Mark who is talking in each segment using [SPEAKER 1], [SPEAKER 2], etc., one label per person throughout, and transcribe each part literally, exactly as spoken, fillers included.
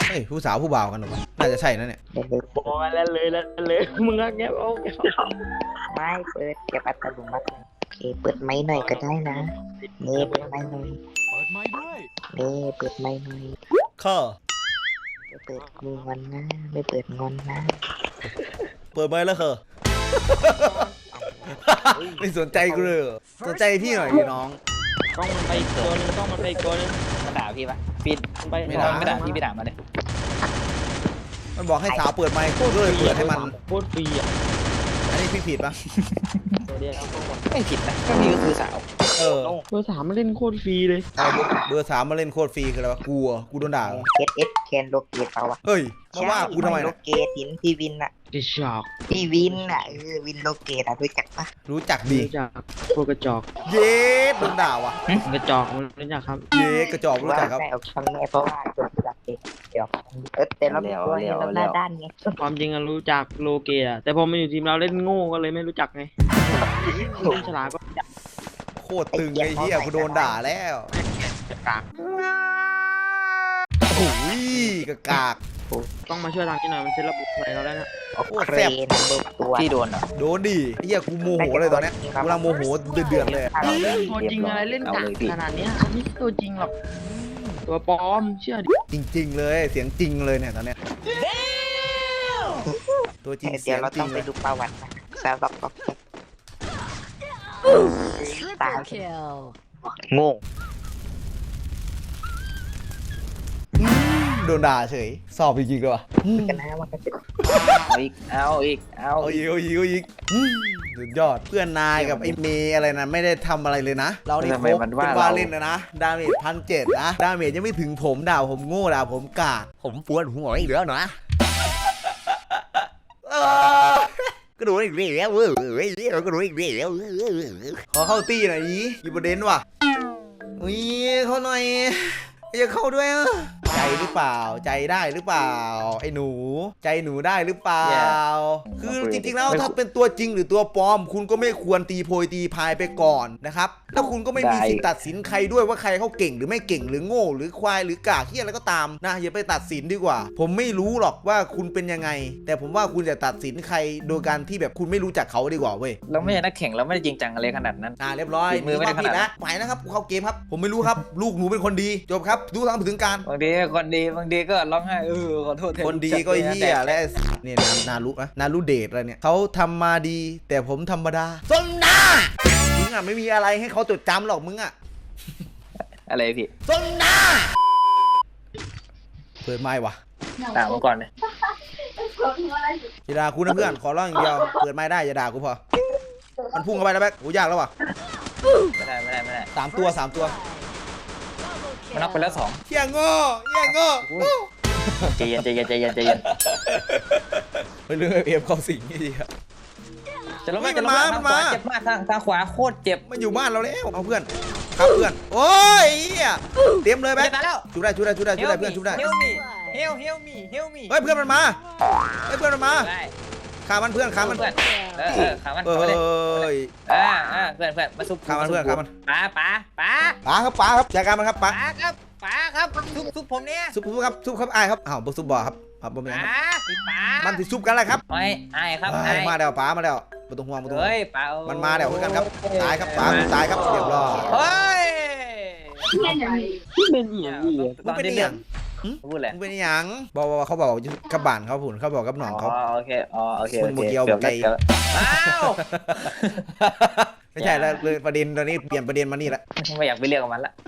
[SPEAKER 1] เฮ้ยผู้สาวผู้บ่าวกันหรอน่าจะใช่นะเนี่ย
[SPEAKER 2] โอ้ยแล้วเลยแล้วเลยมึงอะแกโอ้แก
[SPEAKER 3] ไม่เปิดเก็บอัตโนมัติโอเคเปิดไม้หน่อยก็ได้นะเน่เปิดไม้หน่อย
[SPEAKER 4] เปิดไม้ด้วย
[SPEAKER 3] เน่เปิดไม้หน่อย
[SPEAKER 1] ข้อ
[SPEAKER 3] ไม่เปิดงอนนะไม่เปิดงอนนะ
[SPEAKER 1] เปิดไม้แล้วเหรอไม่สนใจกูเลยสนใจพี่หน่อยพี่น้อง
[SPEAKER 2] ต้องมันไปตัวนึงต้องมันไปตัวนึงมาด่าพี่ปะพี่ไปไม่ด่าไม่ด่าพี่ไม่ด่ามาเลย
[SPEAKER 1] มันบอกให้สาวเปิดไมค์ก็เลยเปิดให้มัน
[SPEAKER 2] โคตรฟรีอ่ะ
[SPEAKER 1] อันนี้พี่ผิดปะ
[SPEAKER 2] ไม่ผิดนะก็พี่ก็คือสาว
[SPEAKER 1] เออ
[SPEAKER 2] เบอร์สามมาเล่นโคตรฟรีเลย
[SPEAKER 1] เบอร์สามมาเล่นโคตรฟรีคืออะไรวะกลัวกูโดนด่า
[SPEAKER 3] เอสเอสแคนโลเกตเปล่าวะ
[SPEAKER 1] เฮ้ยมาว่ากูทำไม
[SPEAKER 3] โลเกตหินพี่วินอะ
[SPEAKER 2] กระจอก
[SPEAKER 3] พี่วินอะเออวินโลเกตอะรู้จักปะ
[SPEAKER 1] รู้จักดี
[SPEAKER 2] รู้จักพวกกระจอก
[SPEAKER 1] เย้โดนด่าวะ
[SPEAKER 2] กระจอกรู้จักครับ
[SPEAKER 1] เย้กระจอกรู้จักครับ
[SPEAKER 3] เอาคำแม่เพราะว่าจบจากเด็กเดี๋ยวเออแต่เราตัวนี้เราหน้าด้านไง
[SPEAKER 2] ความจริงอะรู้จักโลเกตอะแต่พอมาอยู่ทีมเราเล่นโง่ก็เลยไม่รู้จักไงเล่นฉลาดก็
[SPEAKER 1] โคตรตึงไอ้เหี้ยกูโดนด่าแล้ว
[SPEAKER 2] กาก
[SPEAKER 1] โอ้ยกากาก
[SPEAKER 2] ต้องมาช่วยทางนี้หน่อยมันเซ็ตระบบอะไรเราได้นะ
[SPEAKER 1] โคตรแซ่บ
[SPEAKER 3] ตัว
[SPEAKER 2] ที่โดนอ่ะ
[SPEAKER 1] โดนดิเหี้ยกูโมโหเลยตอนเนี้ยกูกำลังโมโหเดือดเลย
[SPEAKER 2] ตัวจริงอะไรเล่นกากขนาดนี้อันนี้ตัวจริงหรอกตัวปลอมเชื่อดิ
[SPEAKER 1] จริงๆเลยเสียงจริงเลยเนี่ยตอนเนี้ยตัวจริง
[SPEAKER 3] เดี๋ยวเราต้องไปดูประวัตินะสำหรับตาโง่
[SPEAKER 1] โดนด่าเฉยสอบจริงๆเลยว่ะ
[SPEAKER 3] กันนะว่ากัน
[SPEAKER 2] เอาอีกเอาอีกเอา
[SPEAKER 1] อีกเอาอีกเอาอีกสุดยอดเพื่อนนายกับไอ้เมย์อะไรนะไม่ได้ทำอะไรเลยนะเรานี่โคเป็นว่าเล่นนะนะดาเมจพันเจ็ดนะดาเมจยังไม่ถึงผมด่าผมโง่ด่าผมกากผมปวดหัวอีกแล้วนะก็ดูอีกเรื่องแล้วเว้ยก็ดูอีกเรื่องแล้วขอเข้าตีหน่อยนี้อยู่ประเด็นว่ะอุ้ยเขาหน่อยจะเข้าด้วยใจหรือเปล่าใจได้หรือเปล่าไอ้หนูใจหนูได้หรือเปล่าคือจริงๆแล้วถ้าเป็นตัวจริงหรือตัวปลอมคุณก็ไม่ควรตีโพยตีพายไปก่อนนะครับแล้วคุณก็ไม่มีสิทธิ์ตัดสินใครด้วยว่าใครเขาเก่งหรือไม่เก่งหรือโง่หรือควายหรือกากเหี้ยอะไรก็ตามนะอย่าไปตัดสินดีกว่าผมไม่รู้หรอกว่าคุณเป็นยังไงแต่ผมว่าคุณจะตัดสินใครโดยการที่แบบคุณไม่รู้จักเขาดีกว่าเว้ย
[SPEAKER 2] เราไม่ใช่นักแข่งเราไม่ได้จริงจังอะไรขนาดนั้น
[SPEAKER 1] อ่าเรียบร้อยมือไม่ได้ขนาดนั้นไปนะครับเข้าเกมครับผมไม่รู้ครับลูกหนูเป็นคนดีจบครับดูทางถึงการ
[SPEAKER 2] บางทีคนดีบางทีก็ร้องไห้เออขอโทษ
[SPEAKER 1] คนดีก็เหี้ยและเนี่ยนารุนะนารุเดทอะไรเนี่ยเขาทำมาดีแต่ผมธรรมดาสนหน้ามึงอ่ะไม่มีอะไรให้เขาจดจำหรอกมึงอ่ะ
[SPEAKER 2] อะไรพี่
[SPEAKER 1] สนหน้าเปิดไม้วะ
[SPEAKER 2] ด่ามาก่อนเลย
[SPEAKER 1] อย่าด่ากูนะเพื่อนขอร้องอย่างเดียวเปิดไม้ได้อย่าด่ากูพอมันพุ่งเข้าไปแล้วแบ๊กโอ้ยากแล้ววะ
[SPEAKER 2] ไม่ได้ไม่ได้ไม่ได้
[SPEAKER 1] สามตัวสามตัว
[SPEAKER 2] มันน็อกไปแล้วสอง
[SPEAKER 1] เที่ยงโง่เที่ยงโง่
[SPEAKER 2] ใจเย็นใจเย็นใจเย็นใจเย็น
[SPEAKER 1] เฮ้ยเรื่องเอฟเข้าสิงนี่ดีครับ
[SPEAKER 2] จะลงมาจะลงมามันมาเจ็บมากทางทางขวาโคตรเจ็บ
[SPEAKER 1] มันอยู่บ้านเราแล้วเอาเพื่อนครับเพื่อนโอ้ยเตรียมเลยแบ๊กชุบได้ชุบได้ชุบได้ชุบได้เพื่อนชุบได้
[SPEAKER 2] เฮลมี่เฮลเฮลมี่เฮลมี่
[SPEAKER 1] เฮ้ยเพื่อนมันมาเฮ้ยเพื่อนมันมาขามันเพื่อนขามัน
[SPEAKER 2] เพื่อนเออขามัน
[SPEAKER 1] เอ้ย
[SPEAKER 2] อ่าอ่าเพื่อนเพื่อนมาซุป
[SPEAKER 1] ขามันเพื่อนขามัน
[SPEAKER 2] ป๋าป๋าป๋า
[SPEAKER 1] ป๋าครับป๋าครับจัดการมันครับป๋า
[SPEAKER 2] ครับป๋าครับซุปซุปผมเนี่ย
[SPEAKER 1] ซุปผมครับซุปครับไอ้ครับอ้าวซุปบ่อครับครับผมเองครับ
[SPEAKER 2] ป๋า
[SPEAKER 1] มันติดซุปกันอะไรครับ
[SPEAKER 2] ไม่ไอ้ครับ
[SPEAKER 1] ไอ้มาแล้วป๋ามาแล้วมาตรงห่วงมาตรงห่วงมันมาแล้วเหมือนกันครับตายครับป๋าตายครับเรียบร้อย
[SPEAKER 2] เฮ้ยเป็นอย่างนี้
[SPEAKER 1] มันเป็นอย่าง
[SPEAKER 2] พูดแหละ
[SPEAKER 1] มันเป็นอย่างบอกว่าเขาบอกกับบ้านเขาผุนเขาบอกกับหนองเขา
[SPEAKER 2] โอเคอ๋อโอเค
[SPEAKER 1] คุณโมเกียวไก่ไม่ใช่แล้วเลยประเด็นตอนนี้เปลี่ยนประเด็นมานี่ละ
[SPEAKER 2] ไม่อยากไปเรียกกับมันละ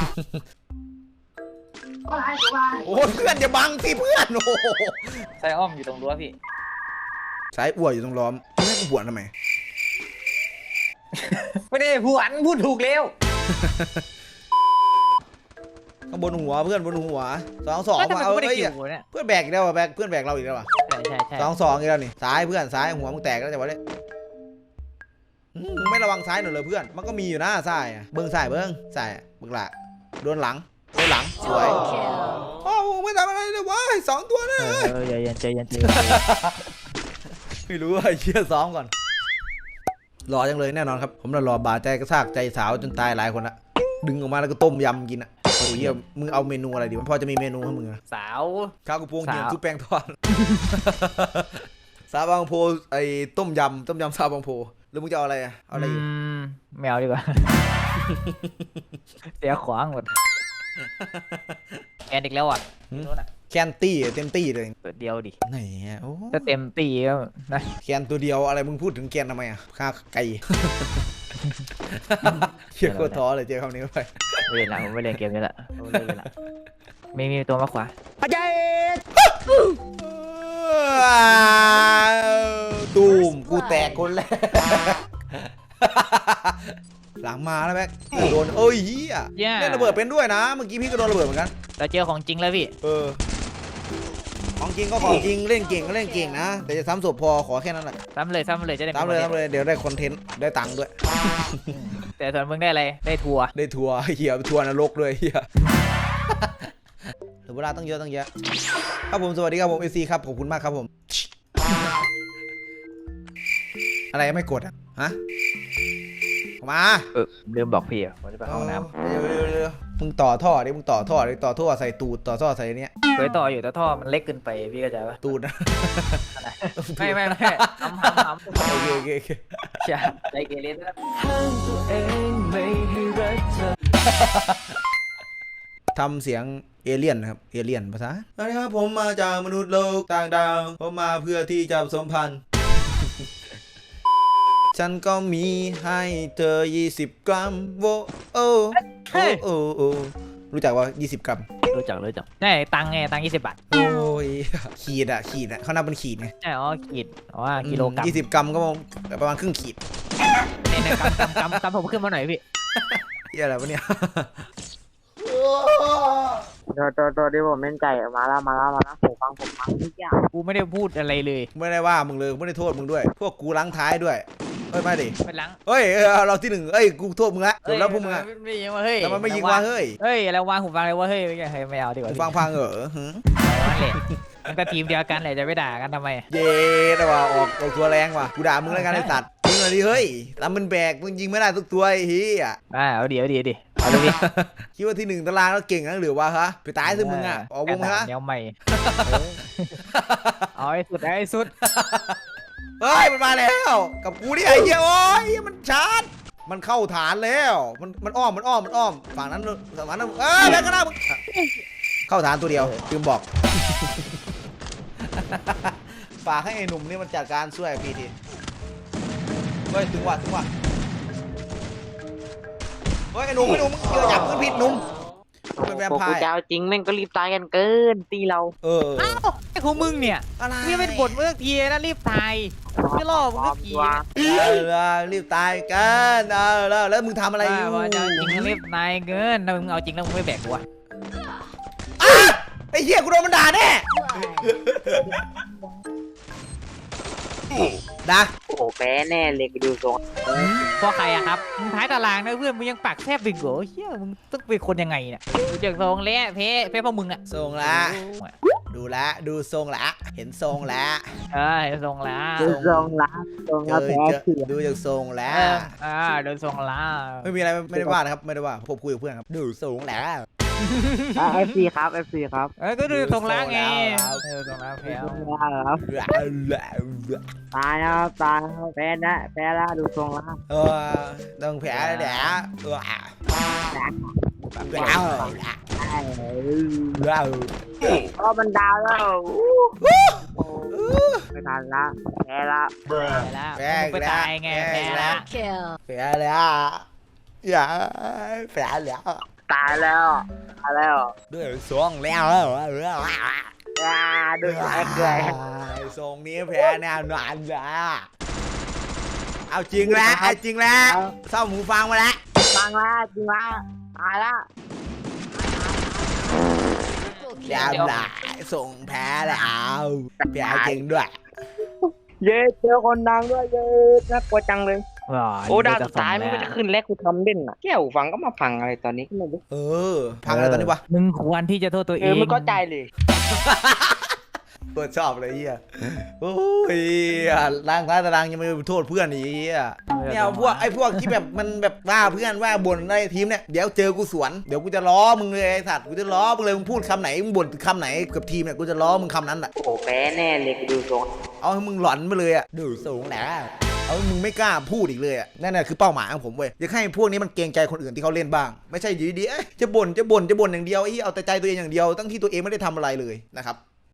[SPEAKER 1] โอ้เพื่อนจะบังสิเพื่อนโอ้
[SPEAKER 2] สายอ้อมอยู่ตรงรั้วพี่
[SPEAKER 1] สายอ้วอยู่ตรงล้อมไม่กูบวชทำไม
[SPEAKER 2] ไม่ได้ผู้อันพูดถูกเร็ว
[SPEAKER 1] ข้างบนหัวเพื่อนบนหัวสองสองมาเอาเอ้ยเพื่อนแบกอีกแล้วแบกเพื่อนแบกเราอีกแล้วว่ะ
[SPEAKER 2] ใช่ใช่ใช่
[SPEAKER 1] สองสองอีกแล้วนี่ซ้ายเพื่อนซ้ายหัวมึงแตกแล้วจะว่าได้มึงไม่ระวังซ้ายหน่อยเลยเพื่อนมันก็มีอยู่นะซ้ายเบิ้งซ้ายเบิ้งซ้ายเบิ้งหลังโดนหลังโดนหลังสวยโอ้ไม่ทำอะไรเลยวะสองตัวนะ
[SPEAKER 2] เออใจเย็นใจเย็นใจเย็น
[SPEAKER 1] ไม่รู้ว่าเชี่ยซ้อมก่อนรอจังเลยแน่นอนครับผมรอบาดใจกระซากใจสาวจนตายหลายคนละดึงออกมาแล้วก็ต้มยำกินอ่ะพออ้ยเหี้ยมึงเอาเมนูอะไรดีมันพอจะมีเมนูให้มึงอะ
[SPEAKER 4] สาว
[SPEAKER 1] ข้าวกระพงเหี่ยม
[SPEAKER 4] สาว
[SPEAKER 1] ซุปแป้งทอด ซาบางโพไอ้ต้มยำต้มยำซาบางโพแล้วมึงจะเอาอะไรอะเอาอะไรอยู่
[SPEAKER 4] มไม่เอาดีกว่า เสียขวางหมดแอนอีกแล้วอ่ะไม่รู้น่ะ
[SPEAKER 1] แคนตี้เต็มตี้เลย
[SPEAKER 4] ตัวเดียวดิ
[SPEAKER 1] ไหนอะโอ้
[SPEAKER 4] ถ้าเต็มตีก็นะ
[SPEAKER 1] แคนตัวเดียวอะไรมึงพูดถึงแคนทำไมอะค่าไก่ เชี่ยโคตรท้อเลยเจอคำนี้เข้าไป
[SPEAKER 4] ไม่เล่นละผมไม่เล่นเกมนี้ละผมไม่เล่นละไม่มีตัวมาขวา
[SPEAKER 1] ตูมกูแตกคนแรก หลังมาแล้วแม็กโดนเอ้ยเฮีย
[SPEAKER 4] แย่
[SPEAKER 1] เล่นระเบิดเป็นด้วยนะเมื่อกี้พี่ก็โดนระเบิดเหมือนกัน
[SPEAKER 4] เราเจอของจริงแล้วพี่
[SPEAKER 1] เออของจริงก็ของจริงเล่นเก่งก็เล่นเก่งนะแต่จะซ้ำศพพอขอแค่นั้นแหละ
[SPEAKER 4] ซ้ำเลยซ้ำเลยจะได้
[SPEAKER 1] ซ้ำเลยซ้ำเลยเดี๋ยวได้คอนเทนต์ได้ตังค์ด้วย
[SPEAKER 4] แต่ส่วนมึงได้อะไรได้ทัวร์
[SPEAKER 1] ได้ทัวร์เฮียทัวร์นรกด้วยเฮีย เหลือเวลาต้องเยอะต้องเยอะครับผมสวัสดีครับผมเอซีครับขอบคุณมากครับผม อะไรไม่กดอ่ะฮะออกมา
[SPEAKER 4] เออลืมบอกพี่อ่ะผมจะไปเข้าห้องน้
[SPEAKER 1] เร็วเร็วเร็วมึงต่อท่อดิมึงต่อท่อดิต่อท่อใส่ตูดต่อท่อใส่เนี้ย
[SPEAKER 4] ำเคยต่ออยู่แต่ท่อมันเล็กเกินไปพี่เข้าใจปะ
[SPEAKER 1] ตูดนะ
[SPEAKER 4] ไม่ไม่ไม่ทำทำทำ
[SPEAKER 1] โอเคโอเคโอเค
[SPEAKER 4] ใช่ใจเกเรนะ
[SPEAKER 1] ทำเสียงเอเลี่ยนนะครับเอเลี่ยนภาษาสวัสดีครับผมมาจากมนุษย์โลกต่างดาวผมมาเพื่อที่จะผสมพันธุ์ ฉันก็มีให้เธอยี่สิบกรัมโวโอโอโอโอรู้จักว่ายี่สิบกรัม
[SPEAKER 4] รู้จักรู้จักใช่ตังค์ไงตังค์ยี่สิบบาท
[SPEAKER 1] โอ้ยขีดอะขีดอะเขานับเป็นขีดไง
[SPEAKER 4] ใช่อ๋อขีดอ๋อกิโลกรัม
[SPEAKER 1] ยี่สิบกรัมก็ประมาณครึ่งขีด
[SPEAKER 4] เนี่ยเนี่ยกำกำกำกำผมขึ้นมาหน่อยพี่
[SPEAKER 1] เหี้ยอะไรวะเนี่ย
[SPEAKER 3] ตัวตัวตัวที่ผมเล่นใจมาแล้วมาแล้วมาแล้วผมฟังผมฟังทุกอย่าง
[SPEAKER 4] กูไม่ได้พูดอะไรเลย
[SPEAKER 1] ไม่ได้ว่ามึงเลยไม่ได้โทษมึงด้วย พวกกูล้างท้ายด้วยเฮ้ยไม่ดิ
[SPEAKER 4] ไปหลัง
[SPEAKER 1] เฮ้ยเออเราที่หนึ่งเอ้ยกูโทษมึงละจบแล้วพวกมึงอะ
[SPEAKER 4] ไม่ยิงว่าเฮ้ย
[SPEAKER 1] แต่มันไม่ยิงว่าเฮ้ย
[SPEAKER 4] เฮ้ยอะไรวางหูฟังเลยว่าเฮ้ยไม่ใช่เฮ้ยไม่เอาดีกว่า
[SPEAKER 1] กูฟังพังเหรอหึ
[SPEAKER 4] นั่นแหละมันก็ทีมเดียวกันแหละจะไปด่ากันทำไม
[SPEAKER 1] เย้แต่ว่าออกออกตัวแรงว่ะกูด่ามึงแล้วกันไอ้สัตว์ยิงหน่อยดิเฮ้ยตามมันแบกมึงยิงไม่ได้ทุกตัวไอ้เฮีย
[SPEAKER 4] อ่าเอาดีเอาดีเอาดีเอาเลยดิ
[SPEAKER 1] คิดว่าที่หนึ่งตารางแล้วเก่งนักหรือวะฮะไปตายซะมึงอะออกวงมาฮะ
[SPEAKER 4] แนวใหม่เอาให้สุดให้สุด
[SPEAKER 1] เฮ้ยมันมาแล้วกับกูนี่ไอ้เหี้ยโอ้ยมันชาร์จมันเข้าฐานแล้วมันมันอ้อมมันอ้อมมันอ้อมฝั่งนั้นฝั่งนั้นเออแล้วก็น่ามึงเข้าฐานตัวเดียวลืมบอก ฝากให้ไอ้หนุ่มนี่มันจัดการช่วยพี่ทีเฮ้ยถึงว่ะถึงว่ะเฮ้ยไอ้หนุ่มไอ้หนุ่มมึงเจอจับมือผิดหนุ่มเป็นแวม
[SPEAKER 3] พวก
[SPEAKER 1] ไพ
[SPEAKER 3] กู
[SPEAKER 1] ร์
[SPEAKER 3] จะเอาจริงแม่งก็รีบตายกันเกินตีเรา
[SPEAKER 1] เออ
[SPEAKER 4] อ้าวไอ้ของมึงเนี่ย
[SPEAKER 1] อะไร
[SPEAKER 4] นี่เป็นบทเมื่อกี้นะรีบตายไม่ล่อมึงก็ขี่
[SPEAKER 1] เออรีบตายกันเออแล้วแล้วมึงทำอะไรอยู่
[SPEAKER 4] ว่าจะเอาจริงก็รีบตายเกินถ้ามึงเอาจริงแล้วมึงไม่แบกกูวะ
[SPEAKER 1] อ่ะไอ้เหี้ยกูโดนมันด่าแน่นะ
[SPEAKER 3] โอ้โหแพ้แน่เลยกูดูทรง
[SPEAKER 4] เพราะใครอะครับมึงท้ายตารางนะเพื่อนมึงยังปากแทบบิงโก้เฮียมึงต้องเป็นคนยังไงเนี่ยดูจากทรงแล้วเพเพเพราะมึงอะ
[SPEAKER 1] ทรงละ ดูละดูทรงละเห็นทรงละ
[SPEAKER 4] เออเห็นทรงแล้ว
[SPEAKER 3] ดูทรงละทรง
[SPEAKER 1] เจ
[SPEAKER 3] ละ
[SPEAKER 1] อ
[SPEAKER 3] แพ้
[SPEAKER 1] เจอ
[SPEAKER 3] เถื่อน
[SPEAKER 1] ดูจากทรงแล้
[SPEAKER 4] เอ
[SPEAKER 1] ว
[SPEAKER 4] ออ่าเดินทรงแล้ว
[SPEAKER 1] ไม่มีอะไรไม่ได้ว่านะครับไม่ได้ว่าผมคุยกับเพื่อนครับดูทรงแล้ว
[SPEAKER 3] เอฟซีครับเอฟซีครับ
[SPEAKER 4] เออก็ดูทรงแล้วไง
[SPEAKER 1] ครับ
[SPEAKER 4] เออทรงแล้วแพ้
[SPEAKER 3] ทรงละครับตายแล้วตายแล้วแพ้นะแพ้ละดูทรงละ
[SPEAKER 1] เออต้องแผลแหละเออแผล
[SPEAKER 3] ได้
[SPEAKER 1] แล้ว
[SPEAKER 3] ก็มันดาวแล้วไม่ทันละแพ้ละ
[SPEAKER 4] แพ้แล้วมึงไปตายไงแพ้แล้ว
[SPEAKER 1] แผลแล้วอย่าแผลแล้ว
[SPEAKER 3] ตายแล้วตายแล้ว
[SPEAKER 1] ด้วยทรงแล้ว
[SPEAKER 3] อ่าดูแอคเลย
[SPEAKER 1] ทรงนี้แผลแน่นอนนะเอาจริงแล้วเอาจริงแล้วเศร้าหูฟังมาแล้ว
[SPEAKER 3] ฟังละจริงละตายละ
[SPEAKER 1] เดี๋ยวละส่งแพ้แล้วแพ้จริงด้วย
[SPEAKER 3] เย้เจอคนดังด้วยเย้น่ากลัวจังเลยโอ้ดาวสุดท้ายมันก็จะขึ้นแรกกูทำเด่นอ่ะแก้วฟังก็มาฟังอะไรตอนนี้ก็ไม่รู้
[SPEAKER 1] เออพังอะไรตอนนี้วะ
[SPEAKER 4] มึงควรที่จะโทษตัวเอ
[SPEAKER 3] เออง มันก็ใจเลย
[SPEAKER 1] โคตรชอบเลยเฮียโอ้ยล้างท้ายตารางยังไม่โทษเพื่อนอีกเฮียเนี่ยพวกไอ้พวกที่แบบมันแบบว่าเพื่อนว่าบ่นอะไรทีมเนี่ยเดี๋ยวเจอกูสวนเดี๋ยวกูจะล้อมึงเลยไอ้สัตว์กูจะล้อมึงเลยมึงพูดคำไหนมึงบ่นคำไหนกับทีมเนี่ยกูจะล้อมึงคำนั้นแหละ
[SPEAKER 3] โอ้โหแพ้แน่เลยกูดูทรง
[SPEAKER 1] เอาให้มึงหลอนไปเลยอะดูสูงแหละเอาให้มึงไม่กล้าพูดอีกเลยอะนั่นแหละคือเป้าหมายของผมเว้ยอยากให้พวกนี้มันเกรงใจคนอื่นที่เขาเล่นบ้างไม่ใช่อยู่ดีๆเอ้ยจะบ่นจะบ่นจะบ่นอย่างเดียวไอ้เอาแต่ใจตัวเองอย่างเดียวตั้งที่ตัวเองไม่ได้ทำอะไรเลยนะครับ